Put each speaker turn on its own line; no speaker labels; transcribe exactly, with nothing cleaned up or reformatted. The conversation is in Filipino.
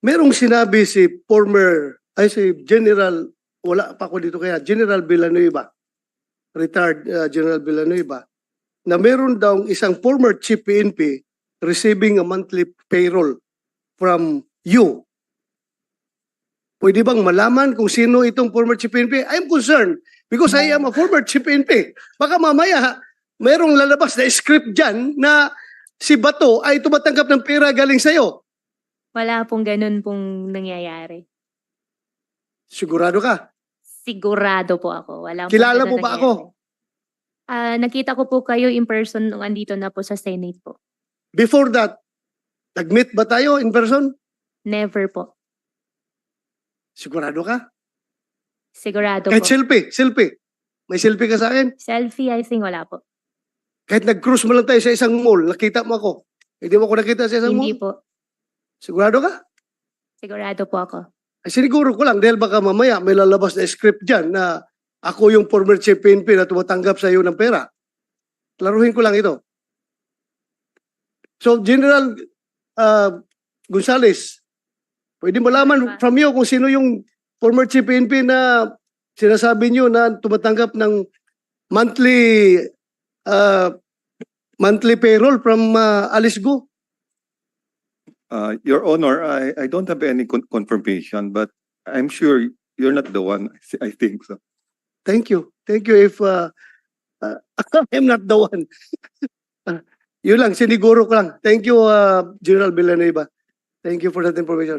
merong sinabi si former, ay si General, wala pa ako dito kaya, General Villanueva, retired uh, General Villanueva, na meron daw isang former chief P N P receiving a monthly payroll from you. Pwede bang malaman kung sino itong former chief P N P? I'm concerned because I am a former chief P N P. Baka mamaya, merong lalabas na script dyan na si Bato ay tumatanggap ng pera galing sa'yo.
Wala pong ganun pong nangyayari.
Sigurado ka?
Sigurado po ako. Wala pong
Kilala
ganun
mo ba
nangyayari.
ako?
Ah, nakita ko po kayo in person nung andito na po sa Senate po.
Before that, nag-meet ba tayo in person?
Never po.
Sigurado ka?
Sigurado
Kahit
po.
selfie, selfie. May selfie ka sa akin?
Selfie, I think wala po.
Kahit nag-cruise mo lang tayo sa isang mall, nakita mo ako. Hindi mo ako nakita sa isang
Hindi
mall?
po.
Sigurado ka?
Sigurado po ako.
Ay, siniguro ko lang dahil baka mamaya may lalabas na script dyan na ako yung former chief P N P na tumatanggap sa iyo ng pera. Klaruhin ko lang ito. So, General uh, Gonzales, pwede malaman from you kung sino yung former chief P N P na sinasabi niyo na tumatanggap ng monthly uh, monthly payroll from uh, Alice Go?
Uh, Your Honor, I, I don't have any con- confirmation, but I'm sure you're not the one. I think so.
Thank you. Thank you if uh, uh, I'm not the one. uh, yun lang, siniguro ko lang. Thank you, uh, General Villanueva. Thank you for that information.